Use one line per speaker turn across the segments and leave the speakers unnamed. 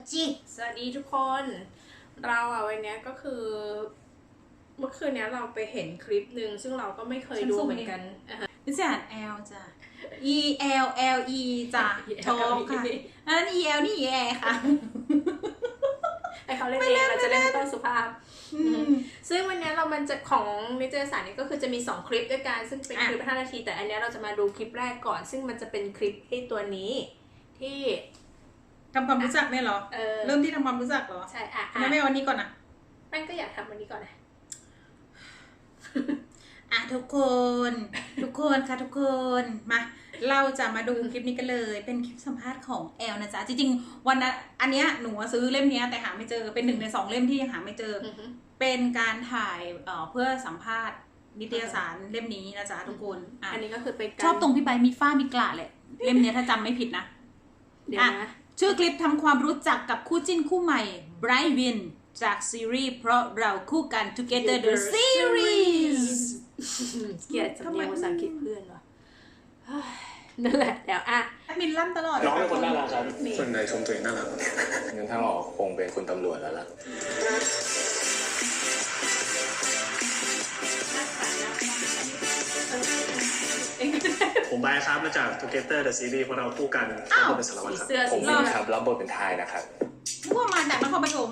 จิสวัสดีทุกคนเราวันนี้ก็คือเมื่อคืนนี้เราไปเห็นคลิปหนึ่งซึ่งเราก็ไม่เคยดูเหมือนกัน
นี่จะอ่าน L จ้ะ E L L E จ้ะโทรค่ะอันนั้น E L นี่ E A ค่ะ
ให้เขาเล่นเองเราจะเล่นต้นสุภาพซึ่งวันนี้มันจะของนิตยสารนี้ก็คือจะมี2คลิปด้วยกันซึ่งเป็นคลิป5 นาทีแต่อันนี้เราจะมาดูคลิปแรกก่อนซึ่งมันจะเป็นคลิปที่ตัวนี้ที่
ทำความรู้จักเนี่ยเหรอเริ่มที่ทำความรู้จักเหรอ
ใช่
ทำไมไม่เอาวันนี้ก่อนนะ
แม่ก็อยากทำวันนี้ก่อนนะ
ทุกคนค่ะทุกคนมาเราจะมาดูคลิปนี้กันเลยเป็นคลิปสัมภาษณ์ของแอลนะจ๊ะจริงๆวันนั้นอันเนี้ยหนูซื้อเล่มนี้แต่หาไม่เจอเป็น1 ใน 2เล่มที่ยังหาไม่เจอเป็นการถ่ายเพื่อสัมภาษณ์นิตยสารเล่มนี้นะจ๊ะทุกคน
อันนี้ก็คือเป็น
ชอบตรงพี่ใบมีฝ้ามีกระเลยเล่มนี้ถ้าจำไม่ผิดนะ
เดี๋ยวนะ
ชื่อคลิปทำความรู้จักกับคู่จิ้นคู่ใหม่ไบรท์วินจากซีรีส์เพราะเราคู่กัน Together the Series
เกลียดสำเนียงภาษาอังกฤษเพื่อนวะนั่นแหละเดี๋ยว
มินล่ำตลอด
น้องเป็นคนน่ารักครับส่วนใหญ่ชมตัวเองน่ารัก
งั้นถ้าออกคงเป็นคุณตำรวจแล้วล่ะ
ผมไบร์ทครับมาจาก Together the Series เพราะเราคู่กันรับบทเป็นสารวัตรครับ
ผมวินครับรับบทเป็นทายนะครับ
นึกว่ามาจากนครปฐม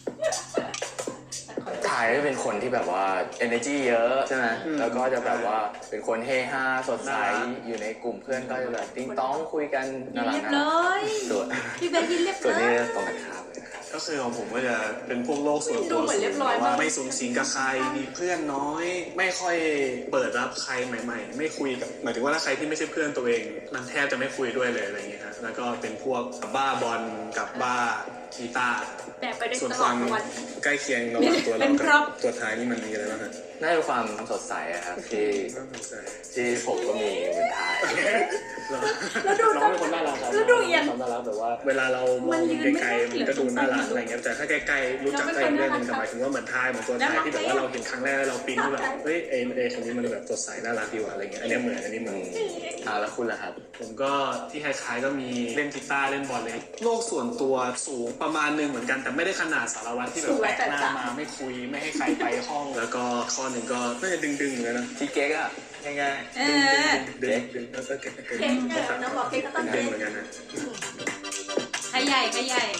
ทายก็เป็นคนที่แบบว่า energy เยอะใช่ไหมแล้วก็จะแบบว่าเป็นคนเฮฮาสดใสอยู่ในกลุ่มเพื่อนก็จะแบบติ้งต้องคุยกันน่ารัก
เลย
ส่วน
พี่เบนยินเรียบ
ส่วนนี้
เลย
ตรงกันข้ามเลยนะครับ
ก็คือของผมก็จะเป็นพวกโลกส่วนตัวว่าไม่สูงสิงกับใครมีเพื่อนน้อยไม่ค่อยเปิดรับใครใหม่ๆไม่คุยกับหมายถึงว่าถ้าใครที่ไม่ใช่เพื่อนตัวเองมันแทบจะไม่คุยด้วยเลยอะไรอย่างเงี้ยครับแล้วก็เป็นพวกบ้าบอลกับบ้ากีตาร์
แต่ไปได้ตลอดวัน
ใกล้เคียงระหว่างตัวเรากับตัวท้ายนี่มันมีอะไรบ้างครับ
น่าจะความสดใสครับที่ผมก็มีเหมือนทาย
น้องเป็นคนน่ารักครับ
แล้วดูอย่าง
น่ารักแบบว่าเวลาเรามองไกลๆมันก็ดูน่ารักอะไรเงี้ยแต่ถ้าใกล้ๆรู้จักใครเรื่องนึงหมายถึงว่าเหมือนทายเหมือนตัวท้ายที่แบบว่าเราเห็นครั้งแรกแล้วเราปิ๊งว่าแบบเฮ้ยคนนี้มันแบบสดใสน่ารักดีว่ะอะไรเงี้ยอันนี้เหมือน
แล้วคุณล่ะครับ
ผมก็ที่คล้ายๆก็มีเล่นกีตาร์เล่นบอลเลยโลกส่วนตัวสูงประมาณนึงเหมือนกันแต่ไม่ได้ขนาดสารวัตรที่แบบแปลกหน้ามาไม่คุยไม่ให้ใครไปห้องแล้วก็ข้อหนึ่งก็น่าจะดึงๆเลยนะ
ที่เก๊กอะ
ง่ายๆดึงแล้วก็เก๊ก
น้องบอกเก๊กก็ต้อง
ดึงเหมือนกันนะ
ใครใหญ่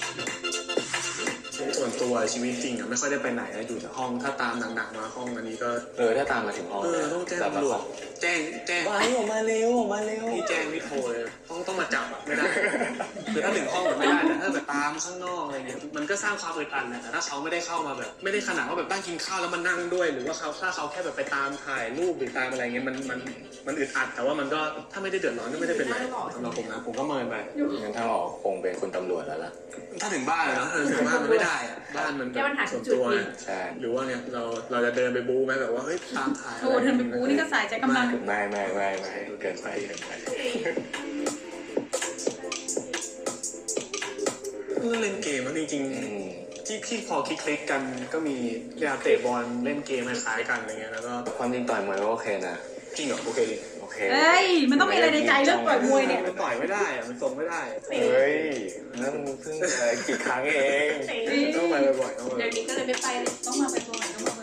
ส่วนตัวชีวิตจริงอะไม่ค่อยได้ไปไหนนะอยู่แต่ห้องถ้าตามหนักๆมาห้องอันนี้ก็
ถ้าตามมาถึงห้อง
ต้องแจ้งตำรวจแจ้ง
ว่าออกมาเร็ว
พี่แจ้งพี่โทรเลยต้องมาจับไม่ได้คือถ้าถึงห้องไม่ได้แต่ถ้าแบบตามข้างนอกอะไรเงี้ยมันก็สร้างความอึดอัดนะแต่ถ้าเขาไม่ได้เข้ามาแบบไม่ได้ขนาดว่าแบบตั้งกินข้าวแล้วมานั่งด้วยหรือว่าถ้าเขาแค่แบบไปตามถ่ายรูปหรือตามอะไรเงี้ยมันอึดอัดแต่ว่ามันก็ถ้าไม่ได้เดือดร้อนก็ไม่ได้เป็นไรสำหรับผมนะผมก็เมินไป
งั้นถ้าออกคงเป็นคุณตำรวจแล้วล่ะ
ถ้าถึงบ้านเลยเนาะถึงบ้านมันไม่ได้บ้านมันส่วนตัวหรือว่าเนี่ยเราจะเดินไปบู๊ไหมแบบว่าเฮ้ยตามถ่าย
โอ้เดินไปบู๊นี่ก็สายใจกำลัง
ไม่เกินไป
เล่นเกมแล้วจริงๆที่พอคลิกกันก็มีเวลาเตะบอลเล่นเกมคล้ายกันอะไรเงี้ยแล้วก็
ความจริงต่อยมวยก็โอเคนะ
จริงเหรอโอเค
เอ้ยมันต้องมีอะไรในใจเรื่องต่อยมวยเนี่ย
มันต่อยไม่ได้อะมันทรงไม่ได้
เฮ้ยนั่นเพิ่งกี่ครั้งเอง
ต้องไปบ่อย
เดี๋ยวนี้ก็เลยไม่ไปเลย
ต้องมาบ่อย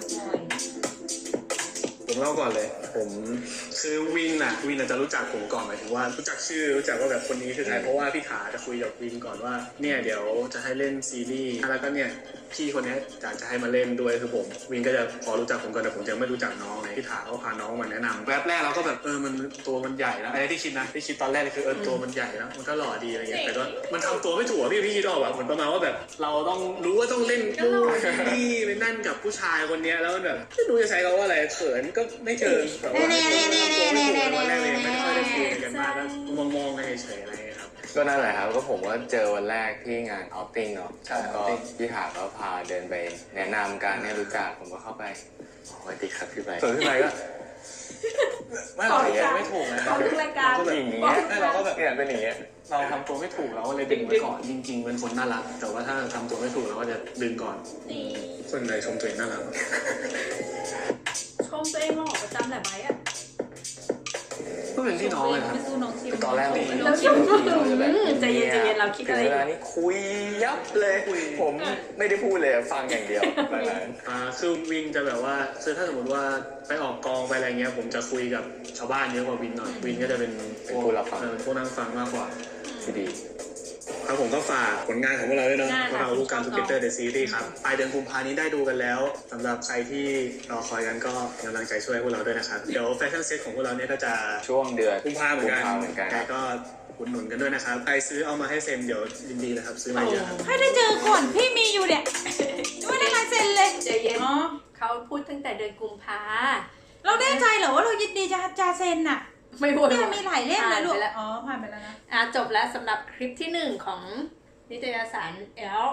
ผมเล่าก่อนเลยผมคือวินจะรู้จักผมก่อนหมายถึงว่ารู้จักชื่อรู้จักว่าแบบคนนี้คือใครเพราะว่าพี่ขาจะคุยกับวินก่อนว่าเนี่ยเดี๋ยวจะให้เล่นซีรีส์แล้วก็เนี่ยพี่คนนี้อยากจะให้มาเล่นด้วยคือผมวินก็จะพอรู้จักผมก่อนแต่ผมยังไม่รู้จักน้องเลยพี่ขาเขาพาน้องมาแนะนำแวบแรกเราก็แบบมันตัวมันใหญ่แล้วไอ้ที่คิดตอนแรกคือตัวมันใหญ่แล้วมันก็หล่อดีอะไรเงี้ยแต่ก็มันทำตัวไม่ถูกพี่คิดออกแบบเหมือนประมาณว่าแบบเราต้องรู้ว่าต้องเล่นคู่ที่ไปนั่นกับผู้ชายคนนี้แล้วแบบไม่รู้จะใช้คำว่าอะไรเขินก็ไม่เชิงแต่ว่าไม่ค่อยได้คุยกันมากก็มองกันเฉยๆอะไรครับ
ก็นั่นแหละครับก็ผมว่าเจอวันแรกที่งานเอาท์ติ้งเนาะก็พี่ขาก็พาเดินไปแนะนำการให้รู้จักผมก็เข้าไปสวัสดีครับพี่ใบส่วนพี่ใบก็
ไม่เราไม่ถูกนะ
เขาทุกรายการ
ก็แบบอย่างเงี้ยเราก็แบบ
เป็นอย่างเงี้ย
เราทำตัวไม่ถูกเราก็เลยดึงไว้ก่อนจริงๆเป็นคนน่ารักแต่ว่าถ้าทำตัวไม่ถูกเราก็จะดึงก่อนส่วนใหญ่ชมตัวเองน่ารัก
ชมตัวเองหล่อประจำแหละไหม
ก็เป็นพี่น้องเลยนะ
ไม่สู้น้องคิม
ตอนแรกผม
แล้วคิดว่าใจเย็นๆเราคิดอะไร
ถึงเวลานี้คุยยับเลย ผมไม่ได้พูดเลยฟังอย่างเดียวแบบนั้น
คือวินจะแบบว่าคือถ้าสมมติว่าไปออกกองไปอะไรเงี้ยผมจะคุยกับชาวบ้านเยอะกว่าวินหน่อยวินก็จะเป็นพวกนั่งฟังมากกว่า
ที่ดี
ครับผมก็ฝากผลงานของพวกเราด้วยเนาะ
ได้
พวกเราลูกการทูเกเตอร์เดอะซีรีส์ครับปลายเดือนกุมภานี้ได้ดูกันแล้วสำหรับใครที่รอคอยกันก็กำลังใจช่วยพวกเราด้วยนะครับเดี๋ยวแฟชั่นเซ็ตของพวกเราเนี่ยก็จะ
ช่วงเดือน
กุมภาเหมือนกัน
ค
ใคร
รับ
ก็อุดหนุนกันด้วยนะครับใครซื้อเอามาให้เซ็นเดี๋ยวยินดีนะครับซื้อมาเยอะครับ
ให้ได้เจอก่อนพี่มีอยู่เนี่ยไม่ได้ลายเซ็นเลย
ใจเย็น
อ๋อ
เขาพูดตั้งแต่เดือนกุมภา
เราแน่ใจเหรอว่าเรายินดีจะเซ็นน่ะ
ไม่พูด
เนี่ยมีหลายเล่มเลยลูก
ผ่านไปแล้ว
อ๋อผ่านไปแล้วนะ
จบแล้วสำหรับคลิปที่ 1 ของนิตยสาร L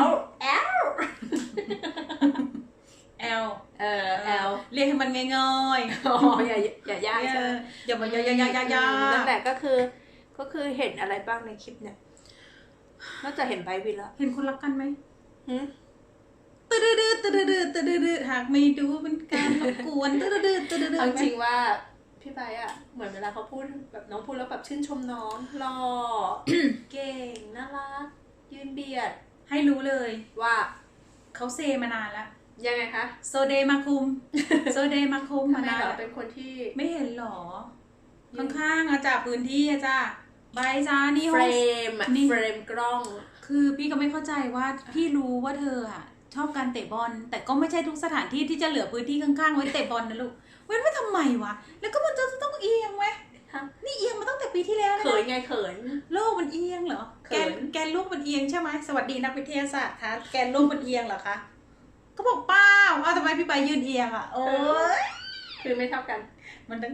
เรียกให้มันง่าย
อ๋ออย่ายาก
ๆ
ใช่ไหม
อย่ามาอย่า
นั่นแหละก็คือเห็นอะไรบ้างในคลิปเนี่ยนอกจากเห็นไบร์ทวินแล้ว
เห็นคนรักกันไหม
หืม
ตืดดืดตืดดืดตืดดืดหากไม่ดูเป็นการรบกวนตืดดืดตืดดืด
เอาจริงว่าพี่ไบร์ทอะเหมือนเวลาเขาพูดแบบน้องพูดแล้วแบบชื่นชมน้องหล่อ เก่งน่ารักยืนเบียด
ให้รู้เลย
ว่า
เขาเซมานานแล้ว
ยังไงคะ
โซเดมาคุมโซเดมาคุม
ทำ
มา
ไม
นาน
เหรอ
แล้ว
เป็นคนที่
ไม่เห็นหรอ ข้างๆอะจ้ะพื้นที่อะจ้ะใบจ้านี่
เฟ
ห้
ร
อง
มอะ
นี่
เฟรมกล้อง
คือพี่ก็ไม่เข้าใจว่าพี่รู้ว่าเธออะชอบการเตะบอลแต่ก็ไม่ใช่ทุกสถานที่ที่จะเหลือพื้นที่ข้างๆไว้เตะบอลนะลูกเว้นไว้ทำไมวะแล้วก็มันจะต้องเอียงไหม
ฮะ
นี่เอียงมาตั้งแต่ปีที่แล้วแล้ว
เขิน
นะ
ไงเขิน
โลกมันเอียงเหรอ
เขิน
แกนโลกมันเอียงใช่ไหมสวัสดีนักวิทยาศาสตร์คะแกนโลกมันเอียงเหรอคะก็บอกเปล่าทำไมพี่ไปยืนเอียงอะโอ้ย
คือไม่เท่ากัน
มันดัง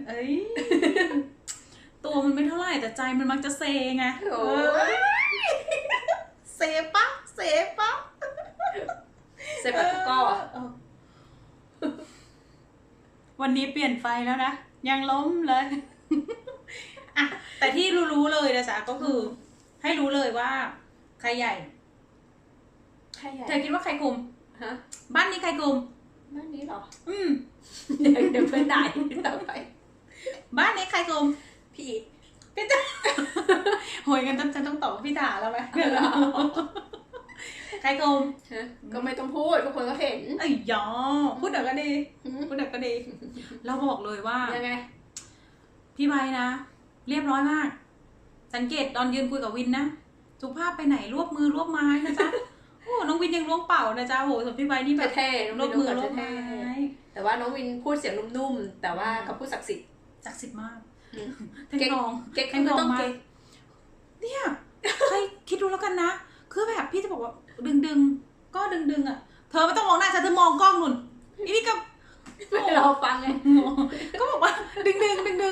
ตัวมันไม่เท่าไหร่แต่ใจมันมักจะเซไง
โอ้ย
เซปะ
เซปัตโก้อะ
วันนี้เปลี่ยนไฟแล้วนะ ยังล้มเลย อ่ะแต่ที่รู้ๆเลยนะจ๊ะก็คือ ให้รู้เลยว่า ใครใหญ่
ใครใหญ่
เธอคิดว่าใครคุม
ฮะ
บ้านนี้ใครคุม
บ้านนี้เหรอ
เดี๋
เดี๋ยวเพื่อนด่าอีกต่อไป
บ้านนี้ใครคุม
พี่อีท
พี่จ๋าโหยกันฉันต้องตอบว่าพี่ด่าแล้วไหมใครคุม
ฮะก็ไม่ต้องพูดทุกคนก็เห็น
ไอ้ยอพูดเดี๋ยวก็ดีพูดเดี๋ยวก็ดีเราบอกเลยว่า
ยังไง
พี่ใบนะ เรียบร้อยมาก สังเกตตอนยืนคุยกับวินนะสุภาพไปไหนรวบมือรวบไม้นะจ๊ะ โอ้น้องวินยังล้วงเป่านะจ๊ะโหส่วนพี่ใบนี่แบบ
เท่ๆ
ร
น้
ว
อง
บ
วิน
มือ
น้อง
ร
เกิ
ว
ด
บไม้
เท่ๆแต่ว่าน้องวินพูดเสียงนุ่มๆแต่ว่าเขาพูดศักดิ์สิทธิ์
ศักดิ์สิทธิ์มาก
อืม
แทงทอง
เก๊ก
แทงทอง
ต้อง
มา
เก๊
ก
ก
เนี่ยใครคิดดูแล้วกันนะคือแบบพี่จะบอกว่าดึงก็ดึงอ่ะเธอไม่ต้องมองหน้าฉันเธอมองกล้องนุ่นอีนี่ก็
ไม่รอฟังไง
ก็บอกว่าดึง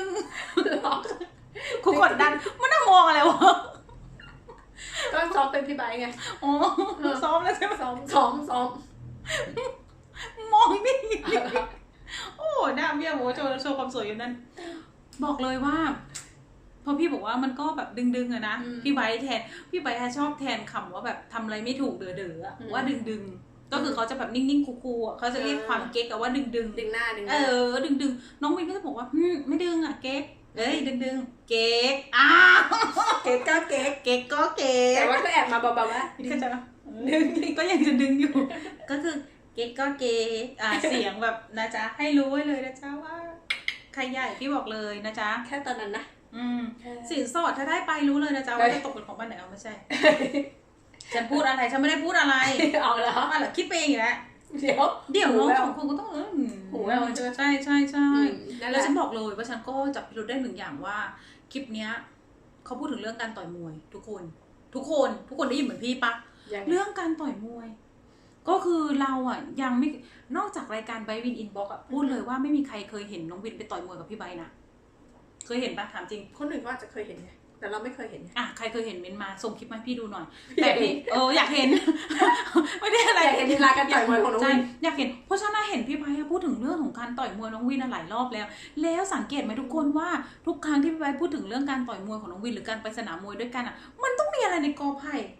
กูกดดันมันน่ามองอะไรวะ
ก็ซ้อมเป็นพี่ไบร์ทไง
อ๋อซ้อมแล้วใช่ไหม
ซ้อม
มองดิโอ้หน้าเบี้ยโหโชว์ความสวยอยู่นั่นบอกเลยว่าพอพี่บอกว่ามันก็แบบดึงอะนะพี่ไบร์ทพี่ไบร์ทชอบแทนคำว่าแบบทำอะไรไม่ถูกเด๋ออะว่าดึงก็คือเขาจะแบบนิ่งๆคูลๆอะเขาจะเรียกความเก๊กอะว่าดึง
ดึงหน้า
ดึงน้องวินก็จะบอกว่าไม่ดึงอะเก๊กเอ้ยดึงเก๊ก
เก๊กก็เก๊ก
เก๊กก็เก๊ก
แต่ว่าก็แอบมาเบาๆว่า
ก็จะดึงก็ยังจะดึงอยู่ ก็คือเก๊กก็เก๊กเสียงแบบนะจ๊ะให้รู้ไว้เลยนะจ๊ะว่าใครใหญ่พี่บอกเลยนะจ๊ะ
แค่ตอนนั้นนะ
สินสอดถ้าได้ไปรู้เลยนะจ๊ะว่าจะตกเป็นของบ้านไหนเอาไม่ใช่ ฉันพูดอะไรฉันไม่ได้พูดอะไร
เอาแล้ว
อะไรคิดไปเองอยู่แล้ว
เดี๋ยว
น้องสองคนก็ต้อง
หูแววใช่
ใช่
นั่นแห
แล้ว
ละ
ฉันบอกเลยว่าฉันก็จับพิรุธได้หนึ่งอย่างว่าคลิปเนี้ยเขาพูดถึงเรื่องการต่อยมวยทุกคนได้ยินเหมือนพี่ปะเรื่องการต่อยมวย ก็คือเราอ่ะยังไม่นอกจากรายการไบวินอินบ็อกซ์อ่ะพูดเลยว่าไม่มีใครเคยเห็นน้องวินไปต่อยมวยกับพี่ไบนะเคยเห็นปะถามจริง
คนอื่นก็อาจจะเคยเห็นไงแต่เราไม่เคยเห็นไง
ใครเคยเห็นเม้นมาส่งคลิปมาให้พี่ดูหน่อยแต่พี่อยากเห็น ไม่ได้อะไร
อยากเห็นลีลาการต่อยมวยของน้องวิน
อยากเห็นเพราะฉะนั้นเห็นพี่ไบร์ทพูดถึงเรื่องของการต่อยมวยน้องวินหลายรอบแล้วสังเกตไหมทุกคนว่าทุกครั้งที่พี่ไบร์ทพูดถึงเรื่องการต่อยมวยของน้องวินหรือการไปสนามมวยด้วยกันอ่ะมันต้องมีอะไรในกอไผ่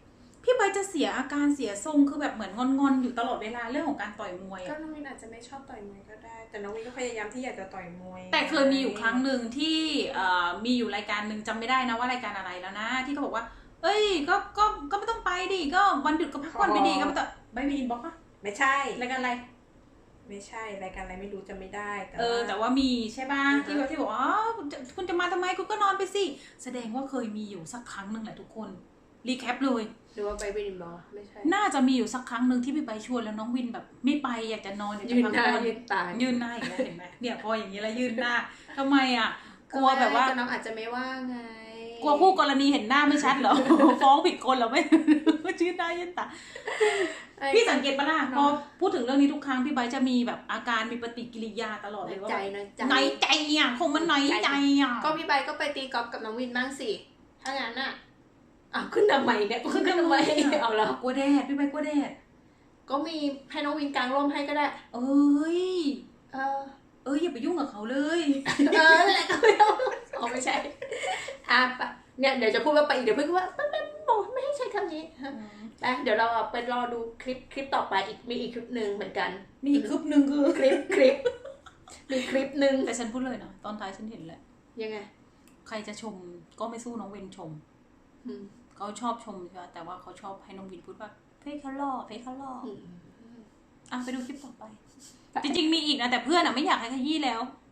พี่ใบจะเสียอาการเสียทรงคือแบบเหมือนงอนๆอยู่ตลอดเวลาเรื่องของการต่อยมวย
ก็
อะ
น้องวินอาจจะไม่ชอบต่อยมวยก็ได้ แต่น้องวินก็พยายามที่อยากจะต่อยมวย
แต่เคยมีอยู่ครั้งหนึ่งที่มีอยู่รายการหนึ่งจำไม่ได้นะว่ารายการอะไรแล้วนะที่เขาบอกว่า เอ้ยก็ไม่ต้องไปดิก็วันหยุดก็พักผ่อนไปดีก็ไม่ต้องไม่มีอินบ็อกซ์ปะ
ไม่ใช่
รายการอะไร
ไม่ใช่รายการอะไรไม่รู้จำไม่ได้แต่
แต่ว่ามีใช่ป่ะที่ว่าที่บอกอ๋อคุณจะมาทำไมคุณก็นอนไปสิแสดงว่าเคยมีอยู่สักครั้งหนึ่งแหละทุกคนรีแคปเลย
หรือว่าไปวินบอลไม่ใช่
น่าจะมีอยู่สักครั้งหนึ่งที่พี่ใบชวนแล้วน้องวินแบบไม่ไปอยากจะนอนอยากจะ
ยืน
พัก
หน้า
ผ่อน
ยืนตา
ยืนหน้าอีกแล้วเห็นไหมเนี่ยพออย่างนี้แล้วยืนหน้าทำไมอ่ะกลัวแบบว่า
ก็น้องอาจจะไม่ว่าไง
กลัวคู่กรณีเห็นหน้าไม่ชัดเหรอ ฟ้องผิดคนเหรอไม่ ยืนหน้ายืนตาพี่สังเกตปะล่ะพอพูดถึงเรื่องนี้ทุกครั้งพี่ใบจะมีแบบอาการมีปฏิกิริยาตลอดเลยว่า
ใจน้อยใจ
น้อยใจอ่ะคงมันน้อยใจอ่ะ
ก็พี่ใบก็ไปตีกอล์ฟกับน้องวินบ้างสิถ้างั้นน่ะอ้าวขึ้นทำไมเนี่ยขึ้นทำไมเอาแล้ว
กลัวแดดพี่ใบกลัวแดด
ก็มีให้น้องวินกางร่มให้ก็ได้
เอ้ย
เออ
อย่าไปยุ่งกับเขาเลย
นั่นแหละก็ไม่ต้องอ๋อไม่ใช่ปะเนี่ยเดี๋ยวจะพูดว่าไปอีกเดี๋ยวเพื่อนว่าไม่บอกไม่ให้ใช้คำนี้ไปเดี๋ยวเราไปรอดูคลิปต่อไปมีอีกคลิปหนึ่งเหมือนกัน
มีอีกคลิปหนึ่งคือ
คลิปมีคลิปหนึ่ง
แต่ฉันพูดเลยนะตอนท้ายฉันเห็นแหละ
ยังไง
ใครจะชมก็ไม่สู้น้องวินชม เขาชอบชมใช่ไหมแต่ว่าเขาชอบให้น้องวินพูดว่าเพ่เขาล่อไปดูคลิปต่อไป จริงๆมีอีกนะแต่เพื่อนไม่อยากให้ขยี้แล้ว